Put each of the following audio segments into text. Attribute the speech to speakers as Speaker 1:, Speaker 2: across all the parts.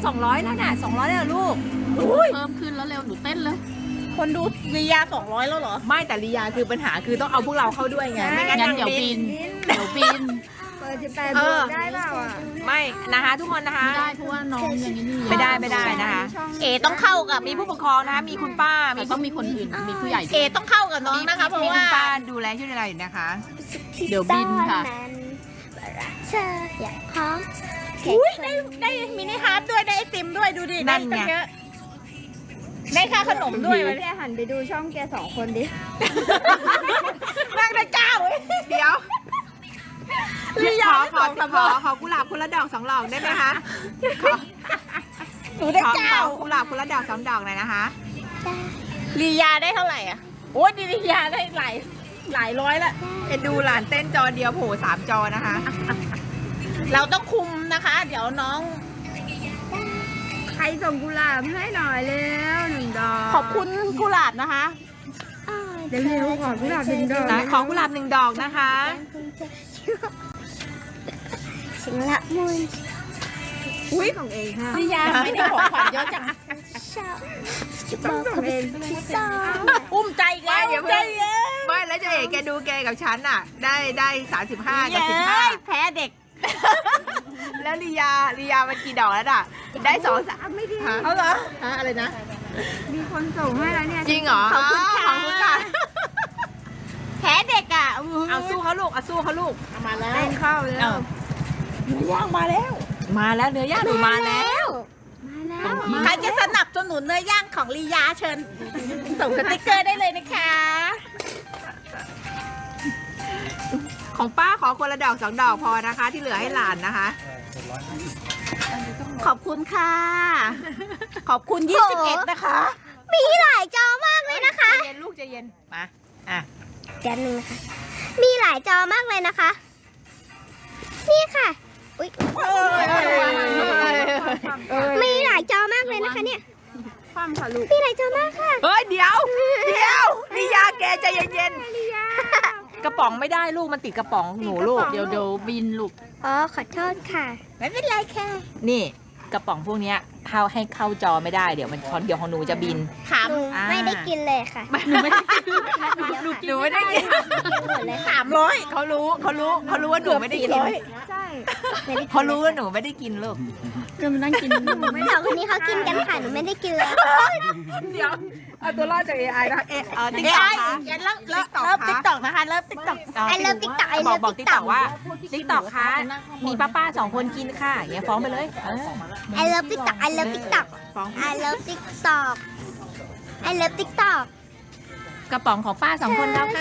Speaker 1: 200แล้วน่ะ200แล้วลูก
Speaker 2: เพิ่มขึ้นแล้วเร็วหนูเต้นเลย
Speaker 3: คนดูลียา200แล้วเหรอ
Speaker 1: ไม่แต่ลียาคือปัญหาคือต้องเอาพวกเราเข้าด้วยไงไม่งั้น
Speaker 2: งั้นเดี๋ยวบิน เดี๋ยวบิน
Speaker 4: เปิด18บวกได้เปล่าอ่ะ
Speaker 1: ไม่นะคะทุกคนนะคะ
Speaker 2: ไม่ได้เพราะว่าน้องอย่างนี้นี่
Speaker 1: ไม่ได้นะคะ
Speaker 3: เอต้องเข้ากับ
Speaker 1: มีผู้ปกครองนะคะมีคุณป้า
Speaker 2: มีต้องมีคนอื่น มีผู้ใหญ่
Speaker 3: เอต้องเข้ากับน้องนะคะเพราะ
Speaker 1: มี
Speaker 3: ว่า
Speaker 1: คุณป้าดูแลช่วยอะไรอยู่นะคะ
Speaker 2: เดี๋ยวบินค่ะ
Speaker 4: เธออยากพร้อม
Speaker 3: อุ้ยได้มินิฮาร์ดด้วยได้ไอติมด้วยดูดิ
Speaker 1: นั่นไง
Speaker 3: ด้ตั้เยอะได้ค่าขนมด้วยวะ
Speaker 4: แกหันไปดูช่องแก2 คนดิ
Speaker 3: นั่งได้เจ้าเว้ย
Speaker 1: เดี๋ยว
Speaker 3: ลียา
Speaker 1: ขอกุหลาบคนละดอก2 ดอกได้ไหมคะ
Speaker 3: หนูได้เจ้า
Speaker 1: ขอกุหลาบคนละดอก2 ดอกหน่อยนะคะ
Speaker 3: ลียาได้เท่าไหร่อ่ะโอ้ยลียาได้หลายร้อยละ
Speaker 1: เอ็นดูหลานเต้นจอเดียวโผล่3 จอนะคะ
Speaker 3: เราต้องคุมนะคะ เดี๋ยวน้อง
Speaker 4: ใครส่งกุหลาบให้หน่อยเร็ว1 ดอก
Speaker 3: ขอบคุณกุหลาบนะคะ
Speaker 4: เร็วๆขอกุหลาบ1 ดอก
Speaker 1: ขอกุหลาบ1 ดอกนะคะ
Speaker 4: ฉันละมุน
Speaker 1: อุ้ย
Speaker 4: ส่งเองค่ะ
Speaker 3: ลียาไม่ได้ของขวัญเยอะจัง
Speaker 4: ชอบต้องส่งเองที่สอง
Speaker 3: อุ้มใจอีกแล้ว
Speaker 1: อย่า
Speaker 3: ใจ
Speaker 1: เพิ่ง
Speaker 3: เย็น
Speaker 1: ไม่แล้วจะเอกแกดูแกกับฉันอ่ะ ได้35กับ
Speaker 3: เย้ยแพ้เด็ก
Speaker 1: 15แล้วลียามันกี่ดอกแล้วอ่ะได้2 3
Speaker 4: ไม่ดี
Speaker 3: เอาเหรอ
Speaker 1: อะไรนะ
Speaker 4: มีคนส่งให้แล้วเนี่ย
Speaker 1: จริงเหรอ
Speaker 3: ขอบคุณค่ะ
Speaker 1: ขอบคุณค่ะ
Speaker 3: แพ้เด็กอ่ะ
Speaker 1: เอาสู้เขาลูกเอาสู้เขาลูก
Speaker 3: เอามาแล้ว
Speaker 4: เต้นเข้าเลย
Speaker 1: เอาย่างมาแล้ว มาแล้วเนื้อย่างหนูมาแล้ว
Speaker 4: มาแล้ว
Speaker 3: ใครจะสนับสนุนเนื้อย่างของลียาเชิญ ส่งสติกเกอร์ได้เลยนะคะ
Speaker 1: ของป้าขอคนละดอก2 ดอกพอนะคะ ที่เหลือให้หลานนะคะ
Speaker 3: ขอบคุณค่ะ ขอบคุณ21นะคะ
Speaker 4: มีหลายจอมากเลยนะคะ
Speaker 1: ใจเย็นลูกใจเย็นมาอ่ะ
Speaker 4: แป๊บนึงนะคะมีหลายจอมากเลยนะคะ นี่ค่ะ อุ๊ย มีหลายจอมากเลยนะคะเนี่ย
Speaker 3: ความค่ะลูก
Speaker 4: มีหลายจอมากค่ะ
Speaker 1: เฮ้ยเดี๋ยวลียาแกใจเย็นๆกระป๋องไม่ได้ลูกมันติดกระป๋องหนูลูก
Speaker 2: เดี๋ยวบินลูก
Speaker 4: อ๋อ ขอโทษค่ะ
Speaker 3: ไม่เป็นไรค่ะ
Speaker 1: นี่กระป๋องพวกเนี้ยให้เข้าจอไม่ได้เดี๋ยวของหนูจะบิน
Speaker 3: ถาม
Speaker 4: หนูไม่ได้กินเลยค่ะ
Speaker 1: หนูไม่ได้กิน หนูไม่ได้กิน
Speaker 4: หมดเลย
Speaker 3: 300
Speaker 1: เขารู้ว่าหนูไม่ได้กิน
Speaker 4: ใช่
Speaker 1: เขารู้ว่าหนูไม่ได้กินลูก
Speaker 2: ก็มานั่งกิน
Speaker 4: สองคนนี้เขากินกันค่ะ หนูไม่ได้กินเลย
Speaker 1: เดี๋ยวเอาตัวรอดจาก AI นะติ๊ก
Speaker 3: เอ้
Speaker 1: ต็อก
Speaker 3: ย
Speaker 1: คะ
Speaker 3: เริ่มติ๊กตอกนะคะ เริ่มติ๊กตอก
Speaker 4: I love TikTok I
Speaker 1: บอก
Speaker 4: love
Speaker 1: บอกติ๊กต็อก
Speaker 4: TikTok
Speaker 1: ว่าติ๊กต็อกคะมีป้า2 คนกินค่ะอย่างเงี้ยฟ้องไปเลย
Speaker 4: I love TikTok I love TikTok
Speaker 1: ฟ้อง
Speaker 4: I love TikTok I love TikTok
Speaker 1: กระป๋องของป้า2 คนแล้วค่ะ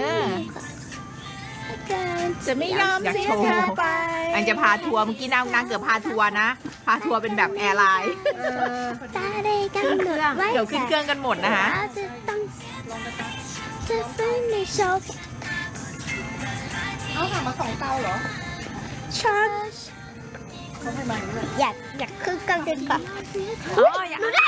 Speaker 3: จะไม่ยอม
Speaker 1: อยาก
Speaker 3: เสีย
Speaker 1: โชว์
Speaker 3: เธอไป
Speaker 1: อันจะพาทัวร์เมื่อกี้นางเกือบพาทัวร์นะ พาทัวร์เป็นแบบแอร์ไลน์
Speaker 4: ตาได้กำหนดไว้
Speaker 1: เดี๋ยวขึ้นเครื่องกันหมดนะคะ
Speaker 4: เราจะต้องจะฟื้นในโชว์
Speaker 3: เอาถามมา2 เตาเหรอ
Speaker 4: ชาร์จอยากขึ้นกันดีกว่า
Speaker 1: อ๋ออย่า
Speaker 4: ได้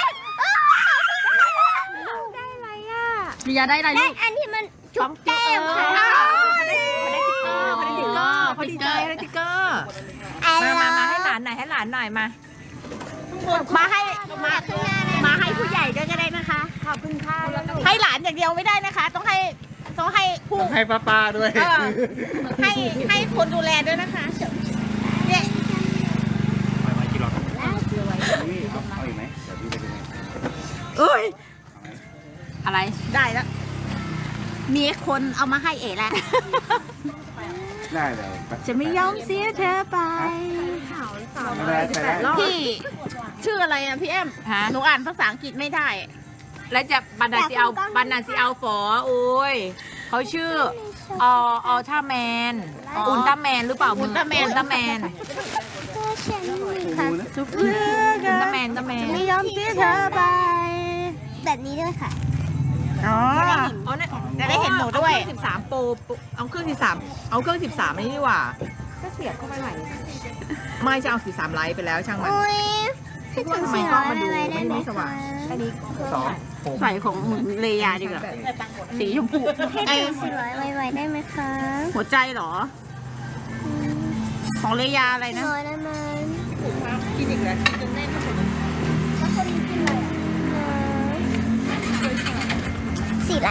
Speaker 4: อะไรอ่ะ
Speaker 2: ลียาได้อะไร
Speaker 4: ได้
Speaker 2: ลูก
Speaker 4: อันที่มันจุ๊บแก้มค่ะ
Speaker 1: เขาได้ติ๊กเกอร์เขาดีใจเขาได้ติ๊กเกอร์มาให้หลานหน่อยมา
Speaker 3: มาให้
Speaker 4: มาข้างหน้านะ
Speaker 3: มาให้ผู้ใหญ่ด้วยก็ได้นะคะ
Speaker 4: ขอบคุณค่ะ
Speaker 3: ให้หลานอย่างเดียวไม่ได้นะคะ ต้องให้ผู้
Speaker 5: ให้ป้าๆด้วย
Speaker 3: ให้คนดูแลด้วยนะคะเนี่ย
Speaker 5: มากี่รอบเอาอีกไหมเดี๋ยวพี่ไปดู
Speaker 1: เอ้ยอะไร
Speaker 3: ได้แล้ว มีคนเอามาให้เอ๋แล้ว
Speaker 5: ได้เดี๋ยว
Speaker 3: จะไม่ยอมเสียเธอไป
Speaker 5: ไม่ได้ใช่แล้ว
Speaker 3: พี่ชื่ออะไรอะพี่แอม
Speaker 1: ฮะ
Speaker 3: หนูอ่านภาษาอังกฤษไม่ได้
Speaker 1: แล้วจะบันดาซีเอาฝอโอ้ยเขาชื่ออัลตร้าแมนอุลตร้าแมนหรือเปล่า
Speaker 3: อุลตร้าแมน
Speaker 4: ก็ฉันค่ะ
Speaker 3: ทุกเรื่อง
Speaker 1: อุลตร้าแมน
Speaker 3: ไม่ยอมเสียเธอไป
Speaker 4: แบบนี้ด้วยค่ะ
Speaker 3: อ๋อ
Speaker 1: เอาเนี่ย
Speaker 3: จะได้เห็นหนูด้วย
Speaker 1: เอาเครื่อง13 โปรเอาเครื่อง13เอาเครื่อง13นี่นี่หว่าก็เสียบเข้าไปไหนไม่จะเอา13ไลท์ไปแล้วช่างมัน
Speaker 4: โอ้ยให้ถึง
Speaker 1: ทำไม
Speaker 4: 400
Speaker 1: กล้องมันดู
Speaker 4: อะไรได้
Speaker 1: ไม่
Speaker 4: ไหม
Speaker 1: สว่าง
Speaker 4: คะ
Speaker 1: อันนี้
Speaker 3: ใส่ของเลยาดีกว่าสีชมพู
Speaker 4: ให้
Speaker 3: ไอ
Speaker 4: ถึง400ไวๆได้ไหมคะ
Speaker 3: หัวใจเหรอ ของเลยาอะไรนะ
Speaker 4: 400ได้ไหม
Speaker 1: กินอีกแล้ว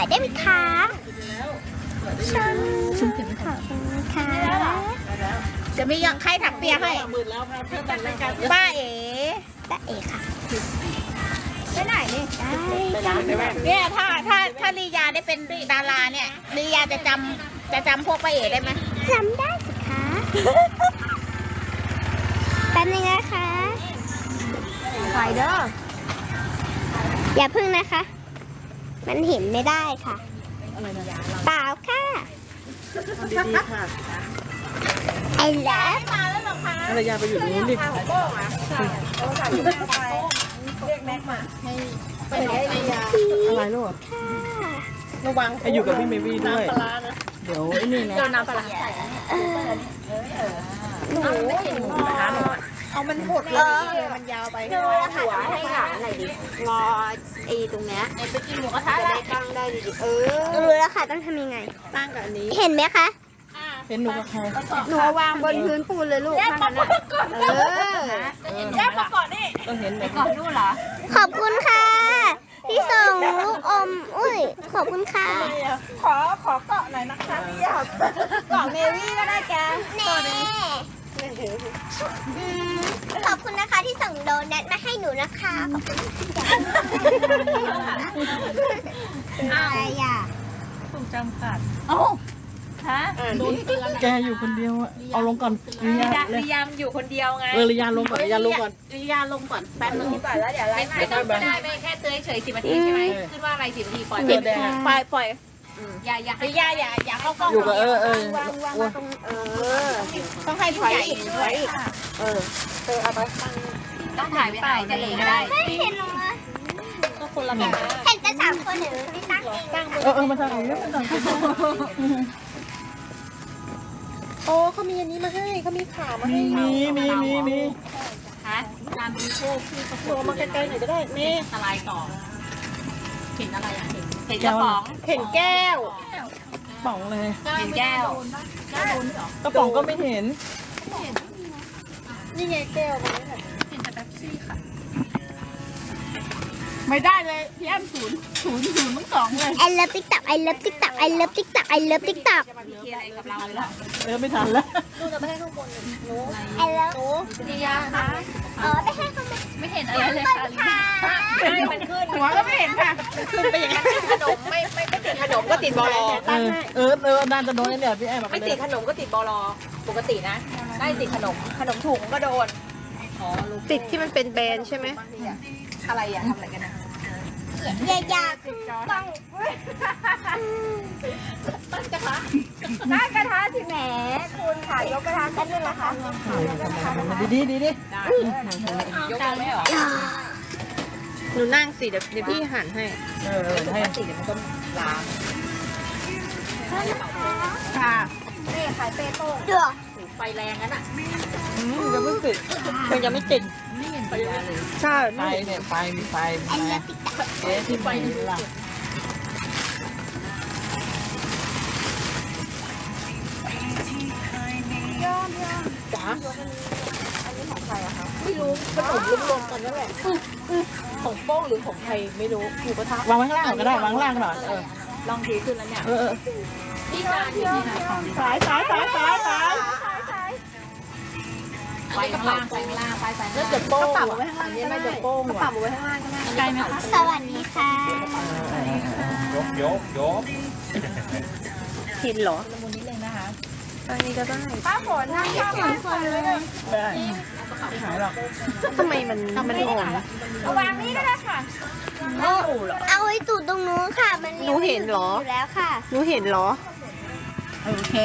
Speaker 4: ายได้ไหมคะฉันขอบคุณค่ะ
Speaker 3: จะไม่ยังใครถักเปียให้ป้าเอ๋
Speaker 4: ตาเอกค่ะไปไหนนี่ได้
Speaker 3: เนี่ยถ้าลียาได้เป็นดาราเนี่ยลียาจะจำพวกป้าเอ๋ได้ไหม
Speaker 4: จำได้สิคะแป๊บนึงนะคะถอยเด้ออย่าพึ่งนะคะ มันเห็นไม่ได้ค่ะเปล่าค่ะไอ้เลิฟ
Speaker 3: มาแล้วเหรอคะ
Speaker 5: ภรรยาไปอยู่นู้นดิ
Speaker 3: โป้งอ่ะเรียกแม็กมาไปไหนลียา
Speaker 5: อะไรลูก
Speaker 4: ค่ะ
Speaker 3: ระวัง
Speaker 5: ไออยู่กับพี่เมวี่ด้วย
Speaker 3: ปลานะ
Speaker 5: เดี๋ยวไอ้นี่นะ
Speaker 3: โดนน้ำปลาใส่
Speaker 4: หนู
Speaker 3: เอามันหดเลยมันยาวไป
Speaker 4: ดูแล้วค่ะให้หลานหน่อยดิงอไอ้ตรงเนี้ย
Speaker 3: ไปกินหมูกระทะ
Speaker 4: จะ
Speaker 3: แล้ว
Speaker 4: ได้ตั้งได้ดีรู้แล้วค่ะต้องทำยังไง
Speaker 3: ตั้งกับอันนี้
Speaker 4: เห็นไหมคะ
Speaker 5: เป็นหนูกับใคร
Speaker 4: หนูวางบนพื้นปูนเลยลูกข้างนั้น
Speaker 3: แยกมาก่อนนี่
Speaker 5: ก็เห็นเลย
Speaker 2: ก่อนนู่นเหรอ
Speaker 4: ขอบคุณค่ะ ที่ส่งลูกอม อุ้ย ขอบคุณค่ะ
Speaker 3: ขอเกาะหน่อยนะคะพี่อยากเกาะเมวี่ก็ได้แก
Speaker 4: แน่ขอบคุณนะคะที่ส่งโดนัทมาให้หนูนะคะขอบคุณอะไรอ่ะ
Speaker 2: ถูกจำกัดเอ้าฮะ
Speaker 5: แกอยู่คนเดียวอะเอาลงก่อนลียา
Speaker 1: พยายามอยู่คนเดียวไง
Speaker 5: ลียาลงก่อนลียาลงก่อน
Speaker 3: ลียาลงก่อนแป๊บนึงก่อนแล้วเดี๋ยวไล่
Speaker 1: ไม่ต้องก็ได้ไม่แค่เตยเฉย10 นาทีใช่ไหมขึ้นว่าอะไร10 นาทีปล่อย
Speaker 5: เดี๋ยวแดง
Speaker 3: ปล่อย
Speaker 1: อย่า
Speaker 3: ลียาอย่าเข้ากล้อง
Speaker 5: อยู่กับ
Speaker 3: ต้องให้ผู้ใหญ่ช่วย
Speaker 1: ต้องถ่ายไปถ่ายจะเองก็ได้
Speaker 4: ไม่เห็นหรอ
Speaker 3: ก็คนละแบบ
Speaker 4: เห็นแต่3 คนหรือไม่ตั้งเอง
Speaker 5: มาทางนี้มาทางนี้
Speaker 3: โอ้เขามีอันนี้มาให้เขามีขามาให้
Speaker 5: มี
Speaker 1: ฮะการบริโภคที่ประ
Speaker 3: ตัวมาใกล้ๆหน่อยก็ได้นี่
Speaker 1: อันตรายต่อเห็นอะไรอ่ะเห็นกระป๋อง
Speaker 3: เห็นแก้ว
Speaker 5: ป๋องเลย
Speaker 1: เห็นแก้ว
Speaker 5: กระป๋องก็ไม่เห็น
Speaker 3: นี่ไงแก้วมัน
Speaker 2: เห็นแต่แป๊บซี่ค่ะ
Speaker 3: ไม่ได้เลยพี่แอมศูนย์ทั้งสองเลย
Speaker 4: ไอเลิฟติ๊กต็อกไอเลิฟติ๊กต็อกไอเลิฟติ๊กต็อกไอเลิฟติ๊กต็อก
Speaker 1: มีอะไรกับเราเลยเหรอ
Speaker 5: ไม่ทันแล้ว
Speaker 4: ไอเลิฟ
Speaker 1: ดียาคะ
Speaker 4: อ๋อไปให้เขามา
Speaker 2: ไม่เห็นอะไรเลยค่ะ
Speaker 4: ค่ะ
Speaker 1: ไม่มันขึ้น
Speaker 3: หัวก็ไม่เห็นค่ะขึ้นไปอย่างนั้น
Speaker 1: ขนมไม่ติดขนมก็ติดบอล
Speaker 5: น่าจะโดนเนี่ยพี่แอม
Speaker 1: ไม่ติดขนมก็ติดบอลปกตินะได้ติดขนมถุงก็โดน
Speaker 3: ติดที่มันเป็นแบรนด์ใช่ไหม
Speaker 1: อะไรอ่ะทำอะไรกันนะ
Speaker 4: อยากขึ้นกล้องตั้งกระทะที่แหมคุณค่ะยกกระทะกันด้วยนะคะ
Speaker 5: ดี
Speaker 1: ได้ยกไม่หรอ
Speaker 3: หนูนั่งสิเดี๋ยวพี่หั่นให้
Speaker 5: ให้
Speaker 1: ติดมันก็ล้าง
Speaker 3: ค่ะ
Speaker 4: นี่ขายเปโต้เดือด
Speaker 1: ไฟแรงงั้นอ่ะ
Speaker 5: ยังไม่ติด
Speaker 3: มันยังไม่ติด
Speaker 1: ไม่เห็นไฟเลย
Speaker 3: ใช่
Speaker 5: ไฟเนี่ยไฟมีไฟ
Speaker 4: ไอเลิฟติ๊กต็อก
Speaker 5: ที่ไฟนี่ล่ะ
Speaker 3: ไม่รู้ขนมรวมๆกันนั่นแหละของโป้งหรือของใครไม่รู้หมูกระทะ
Speaker 5: วางไว้ข้างล่างก็ได้วางข้างล่างหน่อย
Speaker 1: ลองดูขึ้นแล้วเนี่ย
Speaker 2: ที่จานอยู่ที่ไหนของ
Speaker 3: สาย
Speaker 1: ไฟข้างล่างไฟข้างล่างไฟ
Speaker 3: แล้วจะโป้งปรับไว้ข้างล่างอันนี้ไม่จะโป้งปรับไว้ข้างล่างก็ได้
Speaker 2: ไกลไหมคะ
Speaker 4: สวัสดีค่ะ
Speaker 5: ยก
Speaker 3: เห็นเหรอ
Speaker 1: ละมุนนิดนึงนะคะ
Speaker 3: อันนี้ก็ได้
Speaker 4: ป้าฝนนั่งข้างป้าฝนเลย
Speaker 5: ได้ไม่หายหรอก
Speaker 3: ทำไมมันอ่อน
Speaker 4: เอาวางนี่ก็ได้ค่ะเอาไว้ตูดตรงนู้นค่ะ มัน
Speaker 3: หนูเห็นเหรอ
Speaker 4: อยู่แล้วค่ะ
Speaker 3: หนูเห็นเหรอ
Speaker 1: โอเค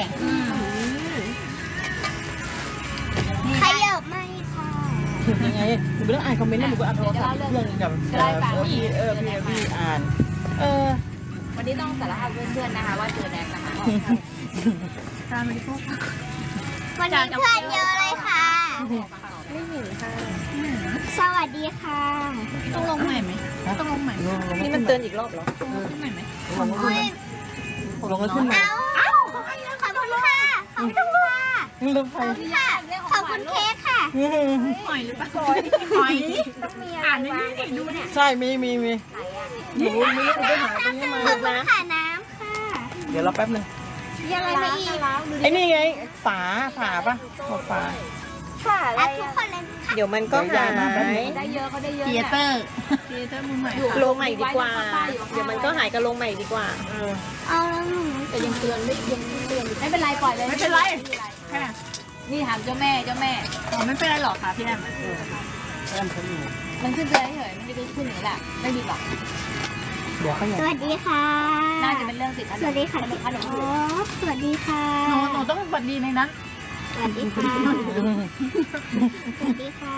Speaker 4: ขยับไม่ค่ะ
Speaker 5: ยังไงหนูไม่ต้องอ่านคอมเมนต์นะหนูก็อ่านโทรศัพท์เรื่องกับพี่อ่าน
Speaker 1: วันนี้ต้องสารภาพเพื่อนๆนะคะว่าเจอแน็กนะคะ
Speaker 4: วันนี้เพื่อนเยอะเลยค่ะ
Speaker 3: ไม่เห็นค่ะ
Speaker 4: สวัสดีค่ะ
Speaker 2: ต้องลงใหม่ไหมต้องลงใหม่ไหม
Speaker 3: นี่มันเตือนอีกรอบเหรอ
Speaker 2: ขึ้นใหม่ไหม
Speaker 5: ลงแล้วขึ้นมา
Speaker 4: เอาขอบคุณค่ะ ขอบคุณค่ะ
Speaker 5: เริ่มไฟ
Speaker 4: ค่ะ ขอบคุณเค้กค่ะ
Speaker 2: หอยหรือเปล่าหอยอ่านในนี้ดูเนี่ย
Speaker 5: ใช่มี
Speaker 4: ไหน
Speaker 5: หนูไม่รู้ไปหาตรงนี้มา
Speaker 4: ขอบคุณค่ะน้ำค่ะ
Speaker 5: เดี๋ยวเราแป๊บนึง
Speaker 4: มีอะไรมาอีก
Speaker 5: ไอ้นี่ไงฝาปะบอกฝา
Speaker 4: รักทุกคนเลยค่ะ
Speaker 3: เดี๋ยวมันก็หาย
Speaker 2: ได้เยอะเขาได้เยอะ
Speaker 1: เทียเตอร์
Speaker 2: เทียเตอร์มือใหม่
Speaker 3: ลงใหม่ดีกว่า เดี๋ยวมันก็หายก็ลงใหม่ดีกว่า
Speaker 4: เอาแล้วหนู
Speaker 2: แต่ยังเตือนไม่เป็นไรปล่อยเลย
Speaker 1: ไม่เป็นไร
Speaker 2: ค่ะนี่ถามเจ้าแม่
Speaker 1: อ๋อไม่เป็นไรหรอกค่ะพี่แอม
Speaker 5: แอมเขาอยู่
Speaker 2: มันขึ้นเตือนเฉยมันจะขึ้นอย่างนี้แหละไม่ดีหรอก
Speaker 5: เดี๋ยวเขาอยาก
Speaker 4: สวัสดีค่ะ
Speaker 2: น่าจะเป็นเรื่องติด
Speaker 4: สวัสดีค่ะพี่อ๋อสวัสดีค่ะ
Speaker 1: หนูต้องบัดดีในนั้น
Speaker 4: สวัสดีค่ะ สวัสดีค่ะ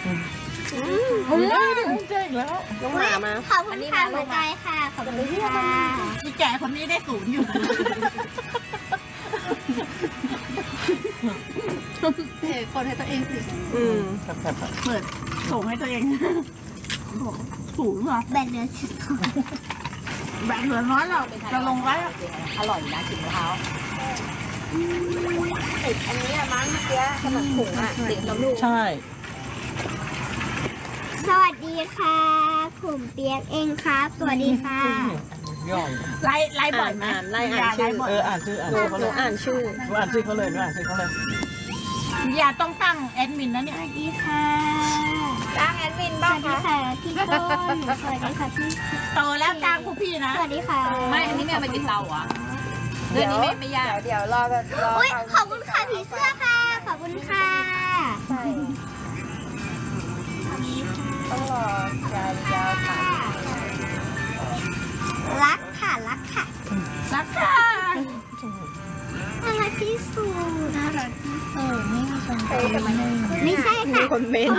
Speaker 5: เจ๊งแล้ว
Speaker 3: น้องหมามา
Speaker 4: ขอบคุณค่ะหัวใจค่ะ ขอบคุณค่ะ
Speaker 1: พี่แก่คนนี้ได้ศูนย์อยู่
Speaker 2: คนให้ตัวเองสิ
Speaker 5: ครับ
Speaker 1: เปิดส่งให้ตัวเองศูนย์เหรอ
Speaker 4: แบนเดือนสิบสอง
Speaker 1: แบบเหลือน้อยเราจะลงไว้
Speaker 2: อร่อยนะกินมะพร้าว
Speaker 3: อันนี้มั้งเมื่อกี้ขนมถุงอ่ะติดน้ำลูก
Speaker 5: ใช่
Speaker 4: สวัสดีค่ะผมเปียกเองครับ สวัสดีค่ะ
Speaker 5: ย่อย
Speaker 1: ไล่บ่อยไหม
Speaker 3: ไล่อ่านชื่อ
Speaker 5: อ่านชื่อเขา
Speaker 3: ห
Speaker 5: เล
Speaker 3: นู
Speaker 5: ย
Speaker 3: อ่านชื่อ
Speaker 5: อ่านชื่อเขาเลยอ่านชื่อเขาเลย
Speaker 1: อย่าต้องตั้งแอดมินนะ
Speaker 4: ส
Speaker 1: เนี่ย
Speaker 4: วัสดีค่ะ
Speaker 3: จ้างแอดมิน
Speaker 4: ส
Speaker 3: บ้าง
Speaker 4: วัสดี
Speaker 3: คะ
Speaker 4: ค่ะพี่ต้นสวัสดีค่ะพี่
Speaker 1: โตแล้วจ้างพวกพี่นะ
Speaker 4: สวัสดีค่ะ
Speaker 2: ไม่อันนี้ไม่เอาไปติดเตาเหรอเรื่องนี้ไม่ยาก
Speaker 3: เดี๋ยวรอแบบรอ
Speaker 4: อุ้ยขอบคุณค่ะผีเสื้อค่ะ ขอบคุณค่ะ
Speaker 3: ใช่ต้องรอยาวๆค่ะ
Speaker 4: รักค่ะรักค่ะ
Speaker 1: รักค่ะ
Speaker 4: น่ารักที่สุดน่ารักที่สุดนี่ชม
Speaker 3: เฮ้ยทำไม
Speaker 4: ไม่ใช่ค่ะ
Speaker 3: คนเมนต์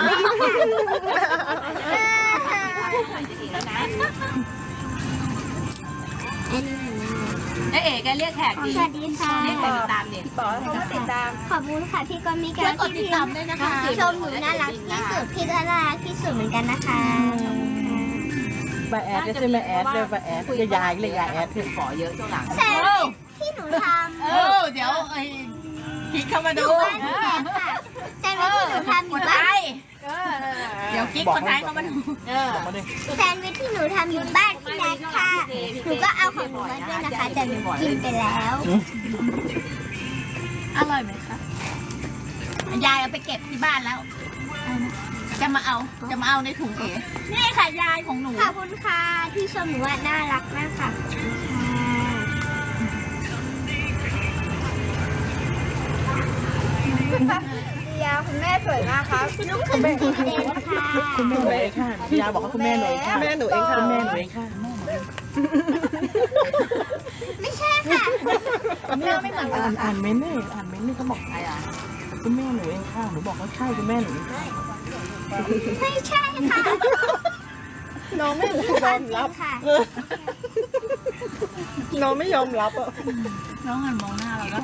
Speaker 2: เอ๋แกเรียกแขกดี
Speaker 4: สวัสดีค่ะ
Speaker 2: เรียกแขกติดตามดิ
Speaker 3: บอกให้เขามาติดตาม
Speaker 4: ขอบคุณค่ะพี่กรมิการที่พี่ชมหนูน่ารักที่สุดพี่ก็น่ารักที่สุดเหมือนกันนะคะ
Speaker 5: มาแอดก็ใช่ไหมแอดเลยมาแอดจะยายเลยยายแอด
Speaker 2: ขอเยอะช่วงหลัง
Speaker 4: แซนที่หนูทำ
Speaker 1: เดี๋ยวกิ๊กเข้ามา
Speaker 4: อ
Speaker 1: ดู
Speaker 4: ยู่บ้านพี่แดงค่ะแซนวิชที่หนูทำอยู่บ้าน
Speaker 1: เดี๋ยวกิ๊กคนไทยเข้ามาดู
Speaker 5: มาดิ
Speaker 4: แซนวิชที่หนูทำอยู่บ้านพี่แดงค่ะหนูก็เอาของหนูมาด้วยนะคะแต่หนูกินไปแล้ว
Speaker 1: อร่อยไหมคะยายเอาไปเก็บที่บ้านแล้ว จะมาเอาในถุงเอ๋นี่ค่ะยายของหนู
Speaker 4: ขอบคุณค่ะที่ชมหนูว่าน่ารักมากค่ะ
Speaker 3: ยาคุณแม่สวยมากครับ
Speaker 4: ลูกคือสีแดงค่ะ
Speaker 5: คุณแม่หนูเองค่ะยายบอกว่าคุณแม่หนูเองค่ะ
Speaker 3: แม่หนูเองค่ะ
Speaker 5: คุณแม่หนูเองค่ะ
Speaker 4: ไม่ใช่ค่ะ
Speaker 1: หน้าไม่เหมือนกัน
Speaker 5: อ่านเม้นนี่เขาบอก
Speaker 2: อะไรอ่ะ
Speaker 5: คุณแม่หนูเองค่ะหนูบอกว่าใช่คุณแม่หนู
Speaker 4: ไม่ใช่ค่ะ
Speaker 3: น้องไม่ยอมรับ
Speaker 4: ค่ะ
Speaker 3: น้องไม่ยอมรับอ่ะ
Speaker 1: น้องหันมองหน้าเราแล้ว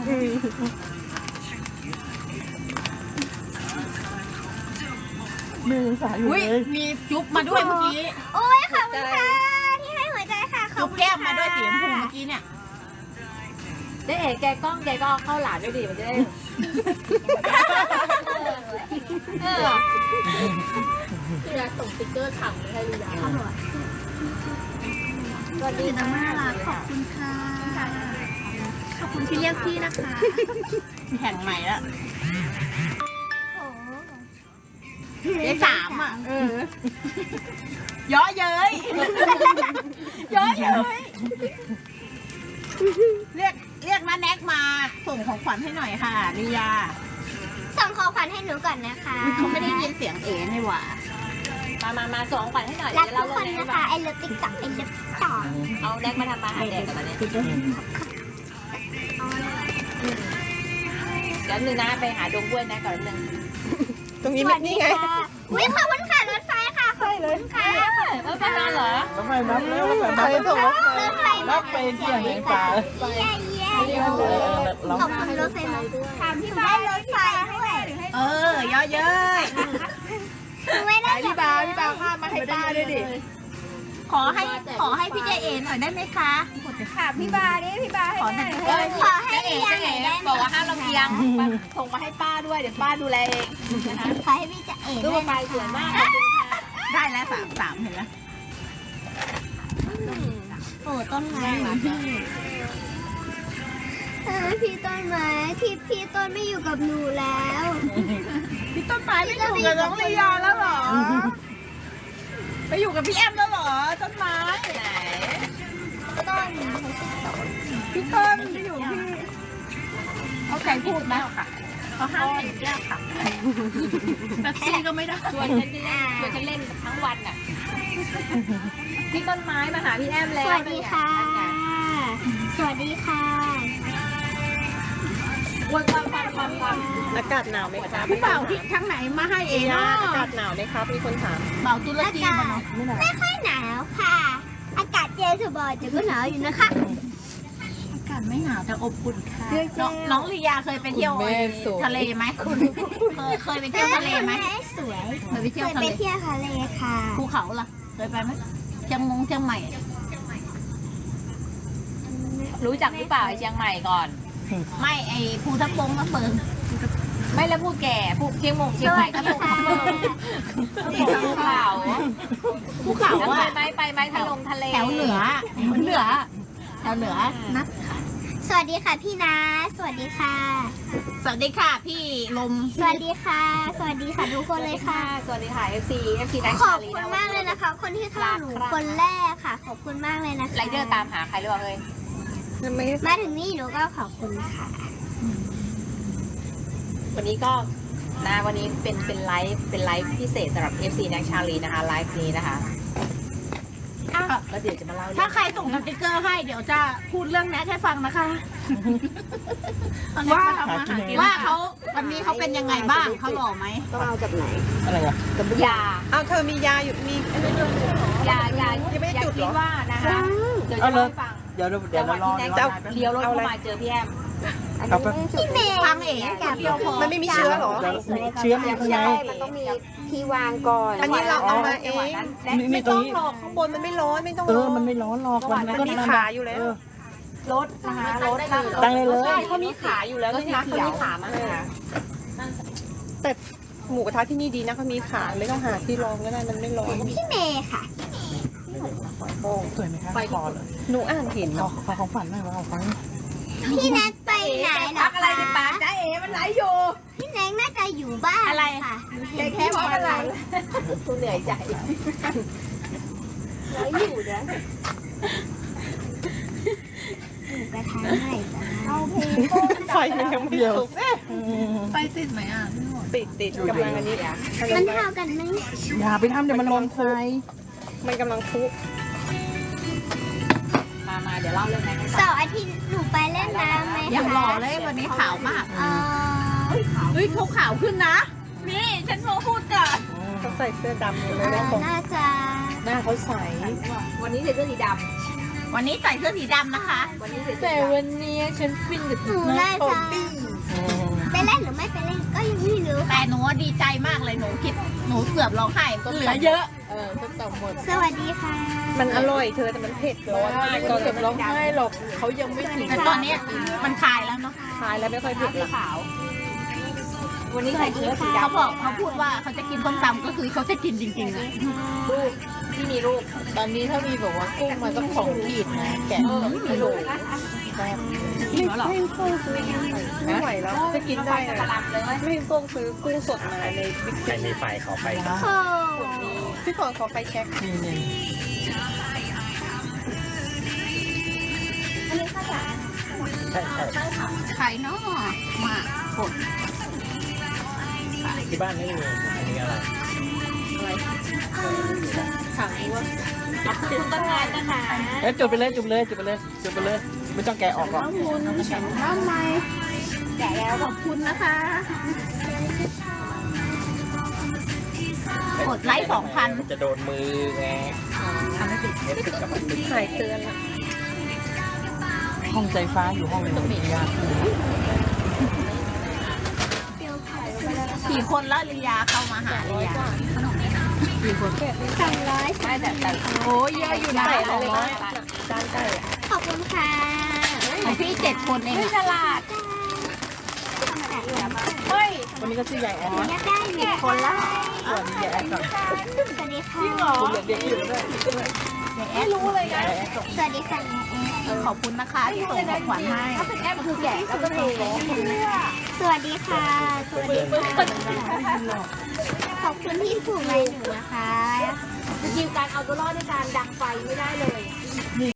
Speaker 5: แม่ยังสายอยู่
Speaker 1: อุ้ย
Speaker 5: เลย
Speaker 1: มีจุ๊บมาด้วยเมื่อกี้
Speaker 4: โอ้ยขอบคุณค่ะที่ให้หัวใจค่ะขอ
Speaker 1: จุ๊
Speaker 4: บบ คุณ
Speaker 1: แก้มมาด้วย
Speaker 4: ค่ะ
Speaker 1: สีชมพูเมื่อกี้เนี่ย
Speaker 2: เอ๋แกกล้องแกก็เอาเข้าหลานด้วยดิมันจะได้
Speaker 3: พี่รักส่งสติ๊กเกอร์ขำให้ลียา
Speaker 4: สวัสดีค่ะน่ารักขอบคุณค่ะ ขอบคุณที่เรียกพี่นะคะ
Speaker 1: แข่งใหม่แล้ว
Speaker 4: โอ้
Speaker 1: ได้3อ่ะเยอะเย้ยเยอะเย้ยเรียกน้าแน็กมาส่งของขวัญให้หน่อยค่ะนิยา
Speaker 4: ส่งของขวัญให้หนูก่อนนะคะ
Speaker 1: เขาไม่ได้ยินเสียงเอ๋นี่หว่า
Speaker 2: มาสองขวัญให้หน่อย
Speaker 4: รัก
Speaker 2: เดี๋ยว
Speaker 4: ทุ
Speaker 2: เรา
Speaker 4: กคนนะคะไอเลิฟติ๊กต็อกไอเลิฟต่อ
Speaker 2: เอาแดกมาทำมาหาแดกกันตอนนี้เดี๋ยวนึงนะไปหาดงกล้วยนะก่อนนึง
Speaker 3: ตรงนี้นี่ไง
Speaker 4: อุ้ยขอบคุณค่ะรถไฟค่ะขอบคุณค่ะ
Speaker 2: แล้วไปนอนเหรอ
Speaker 5: แล้วไปนับแล้วไป
Speaker 3: ใค
Speaker 5: นั
Speaker 3: ร
Speaker 5: บ
Speaker 3: ส่งมา
Speaker 4: รถไฟ
Speaker 5: นับไปเที่ยงในป่า
Speaker 4: เย้เย้
Speaker 5: เรา
Speaker 4: ขอบคุณรถไฟมาถามพี่บ้านรถไฟด้วย
Speaker 1: เยอะเย้ย
Speaker 4: หนูไม่ได้
Speaker 1: พี่บาวข้ามาให้ป้าด้วยดิขอให้พี่เจเอ๋หน่อยได้ไหมคะ
Speaker 4: ค่ะพี่บาดิพี่บาให้
Speaker 1: ขอ
Speaker 4: หน่
Speaker 1: หน่
Speaker 4: อ
Speaker 1: อย ย
Speaker 4: ขอให้พี่ยังหน่อยได้ไหม
Speaker 2: บอกว่าห้ามลำเอียงส่งมาให้ป้าด้วยเดี๋ยวป้าดูแลเอง
Speaker 4: ขอให้พี่จะเอ๋
Speaker 2: ตู้
Speaker 4: ด้วย
Speaker 2: ไป
Speaker 4: นะ
Speaker 2: สวย
Speaker 4: คะ
Speaker 2: มาก
Speaker 1: ได้แล้ว3เห็นไหม
Speaker 2: โอ้ต้นไม้เหมือนพี่
Speaker 4: พี่ต้นไม้ที่พี่ต้นไม่อยู่กับหนูแล้ว
Speaker 2: พี่ต้นไม้ไม่อยู่กับน้องลียาแล้วเหรอไปอยู่กับพี่แอมแล้วเหรอต้นไม้ไหน
Speaker 4: ต้น
Speaker 2: พี่ต้นไปอยู่พี่เขาใครพูดไหมเขาห้ามเห็นแก้วค่ะแท็กซี่ก็ไม่ได้
Speaker 1: ชวนฉันเล่นทั้งวันอ่ะพี่ต้นไม้มาหาพี่แอม
Speaker 4: ส
Speaker 1: แล้ว
Speaker 4: วัสดีค่ะ สวัสดีค่ะ
Speaker 1: วันความ
Speaker 3: อากาศหนาวไหมครับ
Speaker 2: พี่เป่าที่ทางไหนมาให้เอง
Speaker 3: อ
Speaker 2: เนาะ
Speaker 3: ากาศหนาวไหมครับ มีคนถาม
Speaker 2: เป่าตุรกีมาเนาะ
Speaker 4: ไม่ค่อยหนาวค่ะ อากาศเย็นสบายแต่ก็หนาวอยู่นะคะ
Speaker 2: อากาศไม่หนาวแต่อบอุ่นค่ะน้องลียาเคยไปเที่ยวทะเลไหมเคยไปเที่ยวทะเลไหม
Speaker 4: สวย
Speaker 2: เคยไปเที่ยว
Speaker 4: เคย
Speaker 2: ทะ
Speaker 4: ไป
Speaker 2: เล
Speaker 4: เที่ยวทะเลค่ะ
Speaker 2: ภูเขาล่ะเคยไปไหมเชียงใหม่
Speaker 1: รู้จักหรือเปล่าไอ้เชียงใหม่ก่อน
Speaker 2: ไม่ไอภูทับเบิกมาเปิง
Speaker 1: ไม่แล้วพูดแก่พูดเชียงใหม่ก็พูดภูเขา
Speaker 2: ภูเขา
Speaker 1: แล้ว
Speaker 2: อะ
Speaker 1: ไปไหมทะเล
Speaker 2: แถวเหนือแถวเหนือนัด
Speaker 4: สวัสดีค่ะพี่นาสวัสดีค่ะ
Speaker 2: สวัสดีค่ะพี่ลม
Speaker 4: สวัสดีค่ะ สวัสดีค่ะทุกคนเลยค่ะ
Speaker 1: สวัสดีค่ะ FC นัก
Speaker 4: ขอบคุณมากเลยนะคะ คนที่เข้าหนูคนแรกค่ะ ขอบคุณมากเลยนะคะ
Speaker 1: ไรเดอร์ตามหาใครหรือเปล่าเฮ้ย
Speaker 4: มาถึงนี่หนูก็ขอบคุณค่ะ
Speaker 1: วันนี้ก็วันนี้เป็นไลฟ์พิเศษสำหรับ FC นักชาลีนะคะไลฟ์นี้นะคะก็เดี๋ยวจะมาเล่า
Speaker 2: ถ้าใครส่งสติกเกอร์ให้เดี๋ยวจะพูดเรื่องแนทให้ฟังนะคะว่าเขาวันนี้เขาเป็นยังไงบ้างเขาหล่อไหม
Speaker 3: ต้องเอาจากไหน
Speaker 5: อะไรอ่ะ
Speaker 1: ยา
Speaker 3: เอาเธอมียาอยู่ มีอันนี้ด้วย
Speaker 1: ยา
Speaker 3: ยังไม่ได้จุดเหรอ
Speaker 1: คิดว่านะคะเดี๋ยวจะเล่าให้ฟัง
Speaker 5: เดี๋ยวเรารอ
Speaker 1: พี่แน็กจะเลี้ยวรถเข้ามาเจอพี่แอม
Speaker 5: เอาไป
Speaker 4: พี่เมย์
Speaker 2: ฟังเอ๋อย่าเดียวพอ
Speaker 3: มันไม่มีเชื้อเหรอ
Speaker 5: เชื้อมันข้างใน
Speaker 1: มันต้องมี
Speaker 4: ที่วางก่อน
Speaker 3: อันนี้เราเอามาเอง
Speaker 5: มี
Speaker 3: ไม่
Speaker 5: ตร
Speaker 3: ต้อง ง
Speaker 5: นี้
Speaker 3: หรอกข้างบนมันไม่ร้อนไม่ต้อง
Speaker 5: มันไม่ร้อนหรอก
Speaker 3: มันมีขาอยู่แล้ว
Speaker 1: รถนะคะรถ
Speaker 5: ตั้งเลยเลย
Speaker 3: เขามีขาอยู่แล้วนะคะเขามีขามาแต่หมูกระทะที่นี่ดีนะเขามีขาไม่ต้องหาที่รองก็ได้มันไม่ร้อน
Speaker 4: พี่เมย์ค่ะ
Speaker 5: สวยไหมคะคอเลย
Speaker 3: หนูอ่านเห็น
Speaker 5: ขอของฝันหน่อยว่าของฝัน
Speaker 4: พี่แนทไปไหนเหรอ
Speaker 1: พักอะไรในปากจ้าเอ๋มันไหลอยู่
Speaker 4: พี่แนทน่าจะอยู่บ้านค่ะเห็นแค่พออะไร
Speaker 1: กูเหนื่อยใจ
Speaker 4: แล้วอยู่นะหนูไปทานไหนจ้ะเอาเพลง
Speaker 3: ไฟมันยังไม่สุก
Speaker 2: ไปติดไหมอ่ะ
Speaker 3: ติดกำลังอันนี้
Speaker 4: มันเท่ากันไหม
Speaker 5: อย่าไปทำเดี๋ยวมันร้อนไฟ
Speaker 3: มันกำลังคุ
Speaker 1: มาเดี๋ยวเล่าเรื่องนั้นให้ฟัง
Speaker 4: เสาร์อาทิตย์หนูไปเล่นน้ำไหม
Speaker 2: อย่าง
Speaker 4: คะ
Speaker 2: หล่อเลยวันนี้ขาวมาก เฮ้ยเขาขาวขึ้นนะ นี่ฉันโมพูดก่อน
Speaker 3: เขาใส่เสื้อดำเลยนะผม
Speaker 4: น่าจะ
Speaker 3: หน้าเขาใส
Speaker 1: วันนี้ใส่เสื้อสีด
Speaker 2: วันนี้ใส่เสื้อสีดำนะคะ
Speaker 1: ำวันนี้ใส่เสื้อ
Speaker 5: แต่
Speaker 1: สีดำ
Speaker 5: วันนี้ฉันฟินกับ
Speaker 4: หนูน่าจะไปเล่นหรือไม่ไปเล่นก็ยังไม่รู้
Speaker 2: แต่หนูดีใจมากเลยหนูคิดหนูเกือบร้องไห้ก็เหลือเยอะ
Speaker 5: ก็ต่ำหมด
Speaker 4: สวัสดีค่ะ
Speaker 3: มันอร่อยเธอแต่มันเผ็ดร้อนมาก
Speaker 5: ก็จะร้องไห้หรอกเขายังไม่ถึง
Speaker 2: แต่ตอนนี้มันคลายแล้วเนาะ
Speaker 3: ทานแล้วไม่ค่อยเผ็ด
Speaker 1: สี
Speaker 3: ละ
Speaker 1: ขาว วันนี้ใส่เสื้อสีดำ
Speaker 2: เขาบอกเขาพูดว่าเขาจะกินส้มตำก็คือเขาจะกินจริงๆอะ
Speaker 1: ลูกที่มีลูก
Speaker 5: ตอนนี้ถ้ามีแบบว่ากุ้งมาต้อง2 ขีดนะแกะ
Speaker 1: มีลูก
Speaker 2: กินแล้วเหรอ
Speaker 3: ไม่ไหวแล้ว
Speaker 1: จะกินได้กระลำเลย
Speaker 3: ไม่ต้องซื้อกุ้งสดมาในบิ๊ก
Speaker 6: ใครมีไฟขอไฟครับ
Speaker 4: โอ้
Speaker 3: พี่ฝนขอไฟแช็ค
Speaker 5: นี่
Speaker 6: ใช่ใช่
Speaker 2: ไข่เนาะมาผด
Speaker 6: ที่บ้านไม่มีอันนี้อะไร
Speaker 3: ถังว่า
Speaker 1: คุณต้นไม้นะคะ
Speaker 5: แล้วจุดไปเลยไม่ต้องแกะออกหรอก
Speaker 2: ทำไมแกะแล้วขอบคุณนะคะกดไลค์
Speaker 6: มันจะโดนมือไงไม่ติดกับมันติด
Speaker 3: ถ่ายเตือนละ
Speaker 5: ห้องใจฟ้าอยู่ห้องตรงนี้ยาก
Speaker 2: 4 คนแล้วลียาเข้ามาหาลียา4 คน
Speaker 1: ใช่แต่
Speaker 2: โอ้ยเยอะอยู่นะ
Speaker 3: ใส่อะไรเลยจานไก่
Speaker 4: ขอบคุณค่ะ
Speaker 2: ของพี่7 คนเอง
Speaker 1: ไม่ฉลาด
Speaker 2: เฮ้ย
Speaker 5: วันนี้ก็ชื่อยายแอด
Speaker 4: อยากได้หนึ่งคนแล้ว
Speaker 5: สวัสดียายแอดก่อน
Speaker 4: สวัสดีค่ะ
Speaker 5: คุณเด็กๆอยู่ด้วย
Speaker 2: ไม่รู้เลยนะ
Speaker 5: ยายแอดก่อน
Speaker 4: สวัสดีค่ะ
Speaker 2: ขอบคุณนะคะที่ส่งของขวัญให้ถ้าเป็นแอปคือแกะแล้วก็โทร
Speaker 4: สวัสดีค่ะ สวัสดีค่ะ ขอบคุณที่ถูกใจหนูนะคะ
Speaker 2: สกิลการเอาตัวรอดในการดังไฟไม่ได้เลย